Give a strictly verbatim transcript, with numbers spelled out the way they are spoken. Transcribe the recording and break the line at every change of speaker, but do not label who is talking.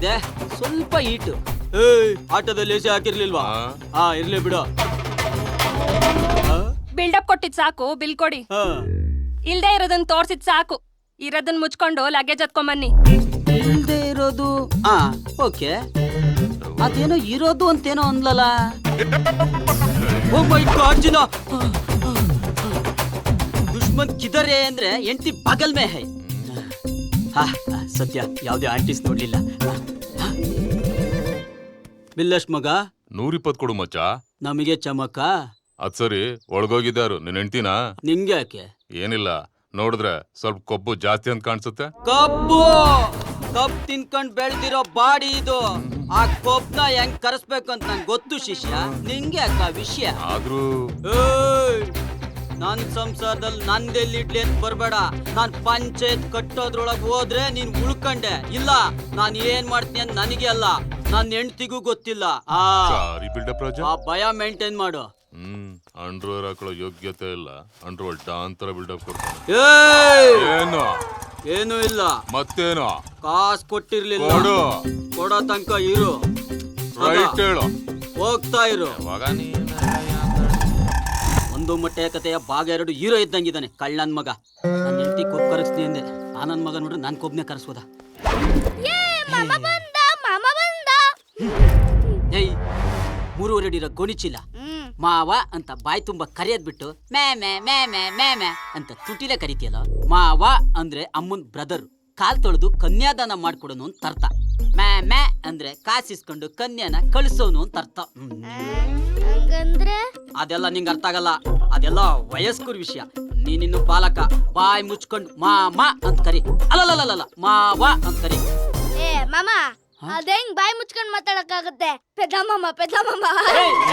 ಆದ್ರೆ ಸ್ವಲ್ಪ ಈಟು. ಏಯ್ ಆಟೋದಲ್ಲಿ ಎಸಿ ಹಾಕಿರ್ಲಿಲ್ವಾ? ಹಾ ಇರ್ಲಿ ಬಿಡು.
ಬಿಲ್ಡಪ್ ಕೊಟ್ಟಿದ್ ಸಾಕು, ಬಿಲ್ ಕೊಡಿ. ಇಲ್ದೇ ಇರೋದನ್ನ ತೋರ್ಸಿದ್ ಸಾಕು, ಇರೋದನ್ನ ಮುಚ್ಕೊಂಡು ಲಗೇಜ್ ಹತ್ಕೊಂಬನ್ನಿ.
ಇಲ್ದೇ ಇರೋದು ಹಾ ಓಕೆ, ಅದೇನೋ ಇರೋದು ಅಂತೇನೋ ಅನ್ಲಲ್ಲ. ಓ ಮೈ ಗಾಡ್ ಜಿನಾ, ದುಶ್ಮನ್ ಕಿದರೆ ಅಂದ್ರೆ ಎಂಟಿ ಬಗಲ್ ಮೇ ಹೈ. ಹಾ ಸತ್ಯ, ಯಾವ್ದೇ ಆಂಟಿಸ್ ನೋಡ್ಲಿಲ್ಲ. ಬಿಲ್ಲಷ್ಟ್ ಮಗ
ನೂರಿಪ್ಪತ್ ಕೊಡು ಮಚ್ಚ.
ನಮಗೆ ಚಮಕ.
ಅದ್ ಸರಿ, ಒಳಗೋಗಿದ್ದಾರು ನಿನ್ ಹೆಂಡ್ತಿನಾ?
ನಿಂಗೆ ಯಾಕೆ?
ಏನಿಲ್ಲ, ನೋಡಿದ್ರೆ ಸ್ವಲ್ಪ ಕೊಬ್ಬು ಜಾಸ್ತಿ ಅಂತ ಕಾಣಿಸುತ್ತೆ.
ಕಬ್ಬು ಕಬ್ ತಿನ್ಕೊಂಡ್ ಬೆಳ್ದಿರೋ ಬಾಡಿ ಇದು. ಆ ಕೊಬ್ನ ಹೆಂಗ್ ಕರೆಸ್ಬೇಕು ಅಂತ ನಂಗೆ ಗೊತ್ತು ಶಿಷ್ಯ. ನಿಂಗೆ ಯಾಕ ವಿಷಯ?
ಆದ್ರೂ
ನನ್ ಸಂಸಾರದಲ್ಲಿ ನಂದೆಲ್ಲಿಡ್ಲಿ ಅಂತ ಬರ್ಬೇಡ. ನಾನ್ ಪಂಚಾಯತ್ ಕಟ್ಟೋದ್ರೊಳಗ್ ಹೋದ್ರೆ ನೀನ್ ಉಳ್ಕಂಡೆ. ಇಲ್ಲ ನಾನ್ ಏನ್ ಮಾಡ್ತೀನಿ ಅಂತ ನನಗೆ ಅಲ್ಲ, ನನ್ ಹೆಂಡ್ತಿಗೂ ಗೊತ್ತಿಲ್ಲ. ಆ ಆ ಭಯ ಮೇಂಟೈನ್ ಮಾಡು.
ಹ್ಮ್ ಅಂಡ್ರೋರ್ ಹಾಕೊಳ್ಳೋ ಯೋಗ್ಯತೆ ಇಲ್ಲ, ಅಂಡ್ರೋರ್ ಡಾಂತರ ಬಿಲ್ಡಪ್ ಕೊಡ್ತಾನೆ. ಏನು
ಏನು ಇಲ್ಲ
ಮತ್ತೇನು?
ಕಾಸ್ ಕೊಟ್ಟಿರ್ಲಿಲ್ಲ, ಕೊಡೋ ತನಕ ಇರು.
ರೈಟ್ ಹೇಳು,
ಹೋಗ್ತಾ ಇರು. ಒಂದು ಮೊಟ್ಟೆ ಕಥೆಯ ಭಾಗ ಎರಡು ಹೀರೋ ಇದ್ದಂಗಿದ್ದಾನೆ ಕಳ್ಳನ್ ಮಗ. ನನ್ನ ಹೆಂಡತಿ ಕೊಬ್ಬು ಕರಗಿಸ್ತೀನಿ ಅಂದೆ, ಆ ನನ್ ಮಗ ನೋಡ್ರಿ ನಾನ್ ಕೊಬ್ಬನೇ ಕರೆಸೋದ. ಏಯ್ ಮೂರುವರೆ ಅಡಿ ಇರೋ ಗೋಣಿಚಿಲ್ಲ ಮಾವ ಅಂತ ಬಾಯಿ ತುಂಬಾ ಕರಿಯದ್ ಬಿಟ್ಟು ಮೇ ಮೇ ಮೇ ಮೇ ಮೇ ಮೇ ಅಂತ ತುಟಿಲೆ ಕರಿತೀಯಲ್ಲ. ಮಾವ ಅಂದ್ರೆ ಅಮ್ಮನ್ ಬ್ರದರ್, ಕಾಲ್ ತೊಳೆದು ಕನ್ಯಾದಾನ ಮಾಡ್ಕೊಡೋನು ಅಂತ ಅರ್ಥ. ಮೇ ಮೇ ಅಂದ್ರೆ ಕಾಸಿಸ್ಕೊಂಡು ಕನ್ಯಾನ ಕಳಿಸೋನು ಅಂತ ಅರ್ಥ. ಅದೆಲ್ಲ ನಿಂಗೆ ಅರ್ಥ ಆಗಲ್ಲ, ಅದೆಲ್ಲ ವಯಸ್ಕರ ವಿಷಯ. ನೀನಿನ್ನು ಬಾಲಕ, ಬಾಯಿ ಮುಚ್ಕೊಂಡು ಮಾಮ ಅಂತ ಕರಿ. ಅಲ್ಲಲ್ಲ ಮಾವ ಅಂತ ಕರಿ.
ಏ ಮಾಮ, ಅದೇಂಗ್ ಬಾಯಿ ಮುಚ್ಕೊಂಡ್ ಮಾತಾಡಕ್ಕಾಗತ್ತೆ? ಪೆದ್ದಮ್ಮಮ್ಮ ಪೆದ್ದಮ್ಮಮ್ಮ